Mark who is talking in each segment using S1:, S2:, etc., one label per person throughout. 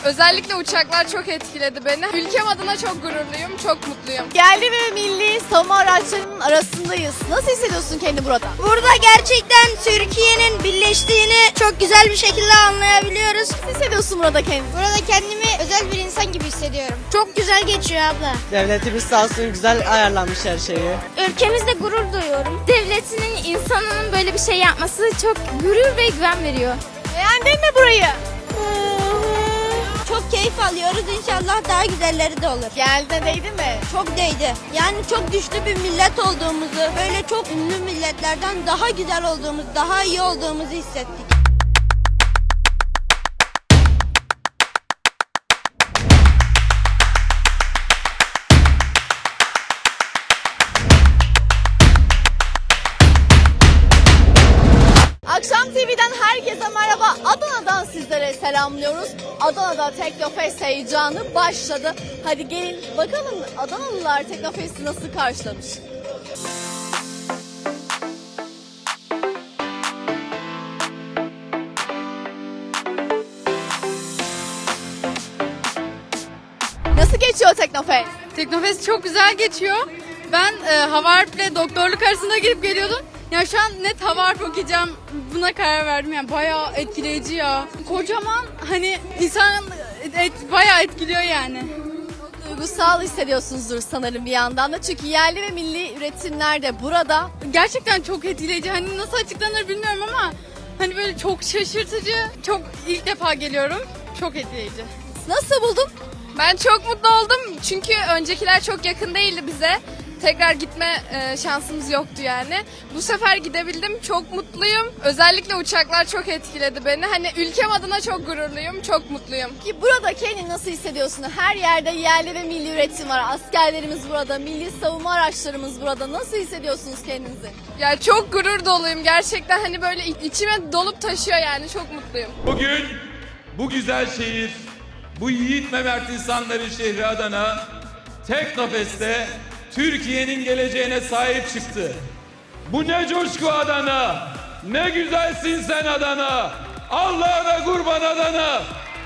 S1: Özellikle uçaklar çok etkiledi beni. Ülkem adına çok gururluyum, çok mutluyum.
S2: Yerli ve milli savunma araçlarının arasındayız. Nasıl hissediyorsun kendini burada?
S3: Burada gerçekten Türkiye'nin birleştiğini çok güzel bir şekilde anlayabiliyoruz.
S2: Nasıl hissediyorsun burada kendini?
S3: Burada kendimi özel bir insan gibi hissediyorum. Çok güzel geçiyor abla.
S4: Devletimiz sağ olsun güzel ayarlanmış her şeyi.
S3: Ülkemizde gurur duyuyorum.
S5: Devletinin, insanının böyle bir şey yapması çok gurur ve güven veriyor.
S2: Beğendin mi burayı?
S3: Çok keyif alıyoruz. İnşallah daha güzelleri de olur.
S2: Geldiğine değdi mi?
S3: Çok değdi. Yani çok güçlü bir millet olduğumuzu, böyle çok ünlü milletlerden daha güzel olduğumuz, daha iyi olduğumuzu hissettik.
S2: Akşam TV'den herkese merhaba. Adana'dan sizlere selamlıyoruz. Adana'da Teknofest heyecanı başladı. Hadi gelin bakalım Adanalılar Teknofest'i nasıl karşılamış? Nasıl geçiyor Teknofest?
S1: Teknofest çok güzel geçiyor. Ben hava harple doktorluk arasında girip geliyordum. Ya şu an net hava harp okuyacağım. Buna karar verdim. Yani bayağı etkileyici ya. Kocaman hani insan bayağı etkiliyor yani.
S2: Duygusal hissediyorsunuzdur sanırım bir yandan da. Çünkü yerli ve milli üretimler de burada.
S1: Gerçekten çok etkileyici. Hani nasıl açıklanır bilmiyorum ama hani böyle çok şaşırtıcı. Çok ilk defa geliyorum. Çok etkileyici.
S2: Nasıl buldun?
S1: Ben çok mutlu oldum. Çünkü öncekiler çok yakın değildi bize. Tekrar gitme şansımız yoktu yani. Bu sefer gidebildim. Çok mutluyum. Özellikle uçaklar çok etkiledi beni. Hani ülkem adına çok gururluyum. Çok mutluyum.
S2: Ki burada kendini nasıl hissediyorsun? Her yerde yerli ve milli üretim var. Askerlerimiz burada, milli savunma araçlarımız burada. Nasıl hissediyorsunuz kendinizi?
S1: Ya çok gurur doluyum. Gerçekten hani böyle içime dolup taşıyor yani. Çok mutluyum.
S6: Bugün bu güzel şehir, bu yiğit ve mert insanların şehri Adana, Teknofest'te Türkiye'nin geleceğine sahip çıktı. Bu ne coşku Adana, ne güzelsin sen Adana, Allah'a kurban Adana.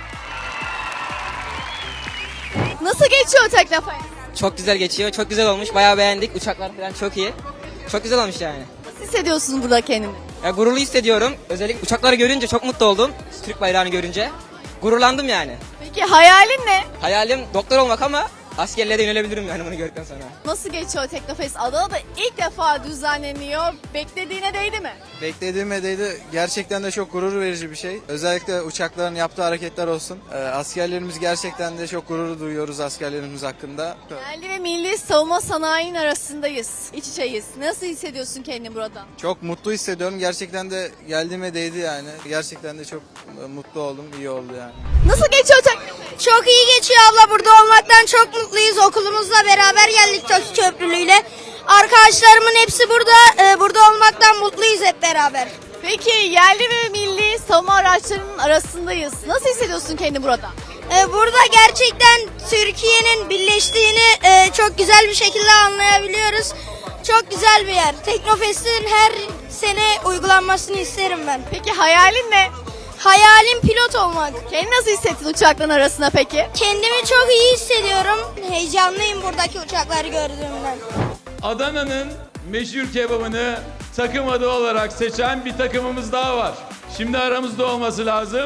S2: Nasıl geçiyor Teknofest?
S4: Çok güzel geçiyor. Çok güzel olmuş. Bayağı beğendik. Uçaklar falan çok iyi. Çok güzel olmuş yani.
S2: Nasıl hissediyorsun burada kendini?
S4: Ya gururlu hissediyorum. Özellikle uçakları görünce çok mutlu oldum. Türk bayrağını görünce. Gururlandım yani.
S2: Peki hayalin ne?
S4: Hayalim doktor olmak ama askerliğe de yönelebilirim yani bunu gördükten sonra.
S2: Nasıl geçiyor Teknofest? Adana'da ilk defa düzenleniyor. Beklediğine değdi mi?
S7: Beklediğime değdi. Gerçekten de çok gurur verici bir şey. Özellikle uçakların yaptığı hareketler olsun. Askerlerimiz gerçekten de çok gurur duyuyoruz askerlerimiz hakkında.
S2: Yerli ve milli savunma sanayinin arasındayız. İç içeyiz. Nasıl hissediyorsun kendini burada?
S7: Çok mutlu hissediyorum. Gerçekten de geldiğime değdi yani. Gerçekten de çok mutlu oldum. İyi oldu yani.
S2: Nasıl geçiyor Teknofest?
S3: Çok iyi geçiyor abla. Burada olmaktan çok mutluyuz. Okulumuzla beraber geldik TOKİ Köprülü'yle. Arkadaşlarımın hepsi burada. Burada olmaktan mutluyuz hep beraber.
S2: Peki yerli ve milli savunma araçlarının arasındayız. Nasıl hissediyorsun kendini burada?
S3: Burada gerçekten Türkiye'nin birleştiğini çok güzel bir şekilde anlayabiliyoruz. Çok güzel bir yer. Teknofest'in her sene uygulanmasını isterim ben.
S2: Peki hayalin ne?
S3: Hayalim pilot olmak.
S2: Kendini nasıl hissettin uçakların arasında peki?
S3: Kendimi çok iyi hissediyorum. Heyecanlıyım buradaki uçakları gördüğümden.
S6: Adana'nın meşhur kebabını takım adı olarak seçen bir takımımız daha var. Şimdi aramızda olması lazım.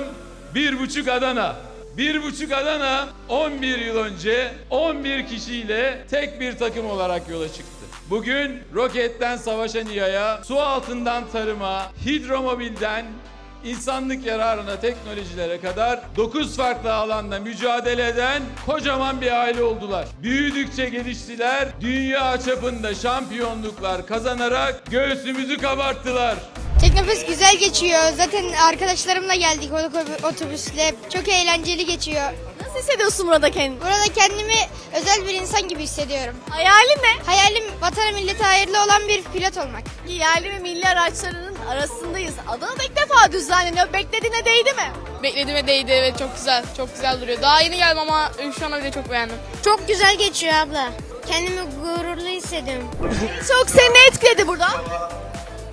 S6: 1,5 Adana. 1,5 Adana 11 yıl önce 11 kişiyle tek bir takım olarak yola çıktı. Bugün roketten savaşan İHA'ya, su altından tarıma, hidromobilden insanlık yararına teknolojilere kadar 9 farklı alanda mücadele eden kocaman bir aile oldular. Büyüdükçe geliştiler, dünya çapında şampiyonluklar kazanarak göğsümüzü kabarttılar.
S3: Teknofest güzel geçiyor. Zaten arkadaşlarımla geldik otobüsle. Çok eğlenceli geçiyor.
S2: Nasıl hissediyorsun burada kendini?
S3: Burada kendimi özel bir insan gibi hissediyorum.
S2: Hayalin ne?
S3: Hayalim vatana millete hayırlı olan bir pilot olmak.
S2: Yerli ve milli araçlarının arasındayız. Adana'da ilk defa düzenleniyor. Beklediğine değdi mi?
S1: Beklediğime değdi, evet, çok güzel. Çok güzel duruyor. Daha yeni geldim ama şu ana bile çok beğendim.
S3: Çok güzel geçiyor abla. Kendimi gururlu hissediyorum.
S2: Çok seni ne etkiledi burada?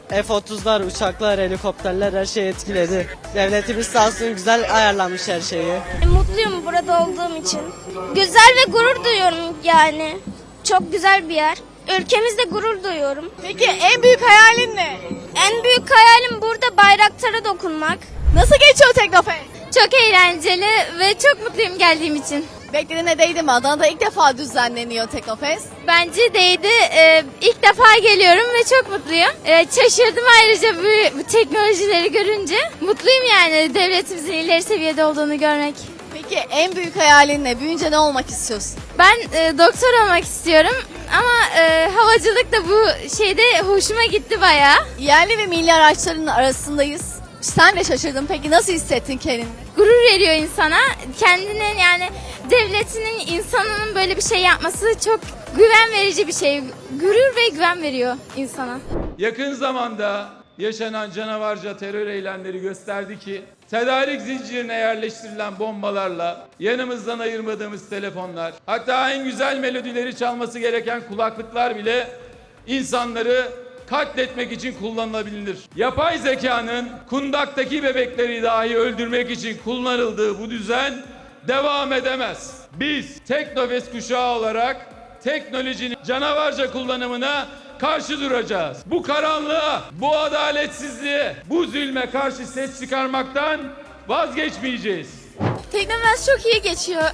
S8: F-30'lar, uçaklar, helikopterler her şey etkiledi. Devletimiz sağ olsun güzel ayarlamış her şeyi.
S3: Mutluyum burada olduğum için. Güzel ve gurur duyuyorum yani. Çok güzel bir yer. Ülkemizde gurur duyuyorum.
S2: Peki en büyük hayalin ne?
S3: En büyük hayalim burada bayraktara dokunmak.
S2: Nasıl geçiyor Teknofest?
S5: Çok eğlenceli ve çok mutluyum geldiğim için.
S2: Beklediğine değdi mi? Adana'da ilk defa düzenleniyor Teknofest.
S5: Bence değdi. İlk defa geliyorum ve çok mutluyum. Şaşırdım ayrıca bu teknolojileri görünce. Mutluyum yani devletimizin ileri seviyede olduğunu görmek.
S2: Peki en büyük hayalin ne? Büyüyünce ne olmak istiyorsun?
S5: Ben doktor olmak istiyorum ama havacılık da bu şeyde hoşuma gitti bayağı.
S2: Yerli ve milli araçların arasındayız. Sen de şaşırdın. Peki nasıl hissettin kendini?
S5: Gurur veriyor insana. Kendinin yani devletinin insanının böyle bir şey yapması çok güven verici bir şey. Gurur ve güven veriyor insana.
S6: Yakın zamanda yaşanan canavarca terör eylemleri gösterdi ki tedarik zincirine yerleştirilen bombalarla yanımızdan ayırmadığımız telefonlar, hatta en güzel melodileri çalması gereken kulaklıklar bile insanları katletmek için kullanılabilir. Yapay zekanın kundaktaki bebekleri dahi öldürmek için kullanıldığı bu düzen devam edemez. Biz Teknofest kuşağı olarak teknolojinin canavarca kullanımına karşı duracağız. Bu karanlığa, bu adaletsizliğe, bu zulme karşı ses çıkarmaktan vazgeçmeyeceğiz.
S1: Teknofest çok iyi geçiyor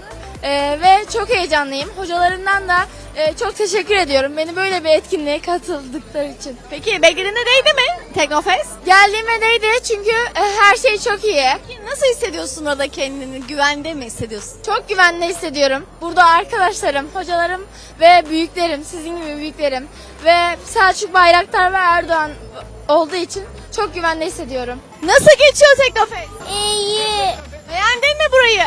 S1: ve çok heyecanlıyım. Hocalarımdan da çok teşekkür ediyorum beni böyle bir etkinliğe katıldıkları için.
S2: Peki beklediğine değdi mi Teknofest?
S1: Geldiğime değdi çünkü her şey çok iyi.
S2: Peki nasıl hissediyorsun orada kendini? Güvende mi hissediyorsun?
S1: Çok güvenli hissediyorum. Burada arkadaşlarım, hocalarım ve büyüklerim, sizin gibi büyüklerim ve Selçuk Bayraktar ve Erdoğan olduğu için çok güvende hissediyorum.
S2: Nasıl geçiyor Teknofest?
S3: İyi.
S2: Beğendin mi burayı?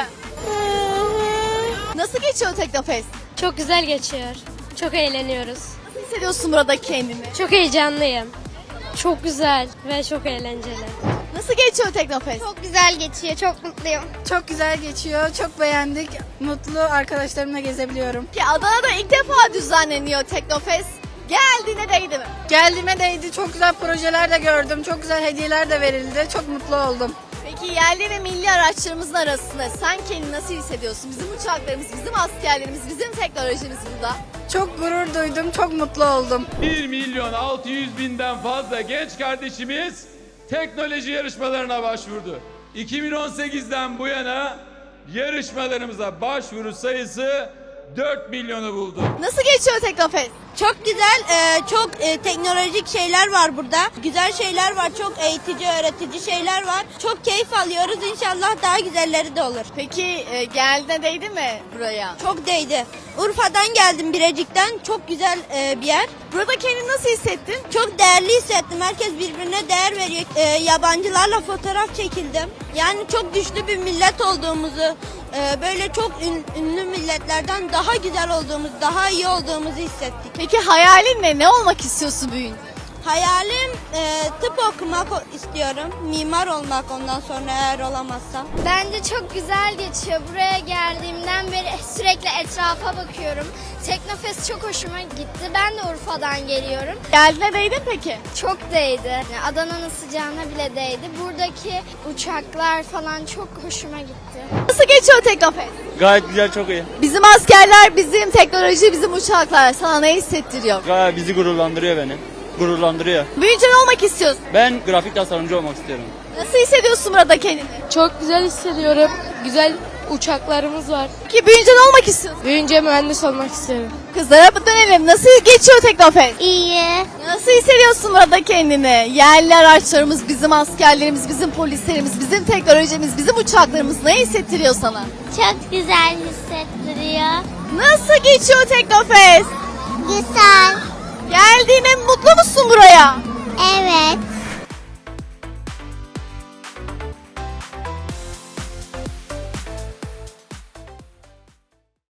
S2: Nasıl geçiyor Teknofest?
S3: Çok güzel geçiyor. Çok eğleniyoruz.
S2: Nasıl hissediyorsun burada kendini?
S3: Çok heyecanlıyım. Çok güzel ve çok eğlenceli.
S2: Nasıl geçiyor Teknofest?
S3: Çok güzel geçiyor. Çok mutluyum.
S1: Çok güzel geçiyor, çok beğendik. Mutlu arkadaşlarımla gezebiliyorum.
S2: Ki Adana'da ilk defa düzenleniyor Teknofest. Geldiğine değdi mi?
S1: Geldiğime değdi, çok güzel projeler de gördüm, çok güzel hediyeler de verildi. Çok mutlu oldum.
S2: Peki yerli ve milli araçlarımızın arasında sen kendini nasıl hissediyorsun? Bizim uçaklarımız, bizim askerlerimiz, bizim teknolojimiz burada.
S1: Çok gurur duydum, çok mutlu oldum.
S6: 1.600.000'den fazla genç kardeşimiz teknoloji yarışmalarına başvurdu. 2018'den bu yana yarışmalarımıza başvuru sayısı 4 milyonu buldu.
S2: Nasıl geçiyor Teknofest?
S3: Çok güzel, çok teknolojik şeyler var burada. Güzel şeyler var, çok eğitici, öğretici şeyler var. Çok keyif alıyoruz. İnşallah daha güzelleri de olur.
S2: Peki geldiğine değdi mi buraya?
S3: Çok değdi. Urfa'dan geldim, Birecik'ten. Çok güzel bir yer.
S2: Burada kendini nasıl hissettin?
S3: Çok değerli hissettim. Herkes birbirine değer veriyor. Yabancılarla fotoğraf çekildim. Yani çok güçlü bir millet olduğumuzu, böyle çok ünlü milletlerden daha güzel olduğumuzu, daha iyi olduğumuzu hissettik.
S2: Peki hayalin ne? Ne olmak istiyorsun büyüyünce?
S3: Hayalim tıp okumak istiyorum. Mimar olmak ondan sonra eğer olamazsam. Bence çok güzel geçiyor. Buraya geldiğimden beri sürekli etrafa bakıyorum. Teknofest çok hoşuma gitti. Ben de Urfa'dan geliyorum.
S2: Geldiğine değdi mi peki?
S3: Çok değdi. Yani Adana'nın sıcağına bile değdi. Buradaki uçaklar falan çok hoşuma gitti.
S2: Nasıl geçiyor Teknofest?
S8: Gayet güzel, çok iyi.
S2: Bizim askerler, bizim teknoloji, bizim uçaklar sana ne hissettiriyor?
S8: Gayet bizi gururlandırıyor beni. Gururlandırıyor.
S2: Büyüyünce ne olmak istiyorsun?
S8: Ben grafik tasarımcı olmak istiyorum.
S2: Nasıl hissediyorsun burada kendini?
S1: Çok güzel hissediyorum. Güzel uçaklarımız var.
S2: Peki büyüyünce ne olmak istiyorsun?
S1: Büyüyünce mühendis olmak istiyorum.
S2: Kızlara dönelim. Nasıl geçiyor Teknofest?
S3: İyi.
S2: Nasıl hissediyorsun burada kendini? Yerli araçlarımız, bizim askerlerimiz, bizim polislerimiz, bizim teknolojimiz, bizim uçaklarımız ne hissettiriyor sana?
S3: Çok güzel hissettiriyor.
S2: Nasıl geçiyor Teknofest?
S3: Güzel.
S2: Geldiğine mutlu musun buraya?
S3: Evet.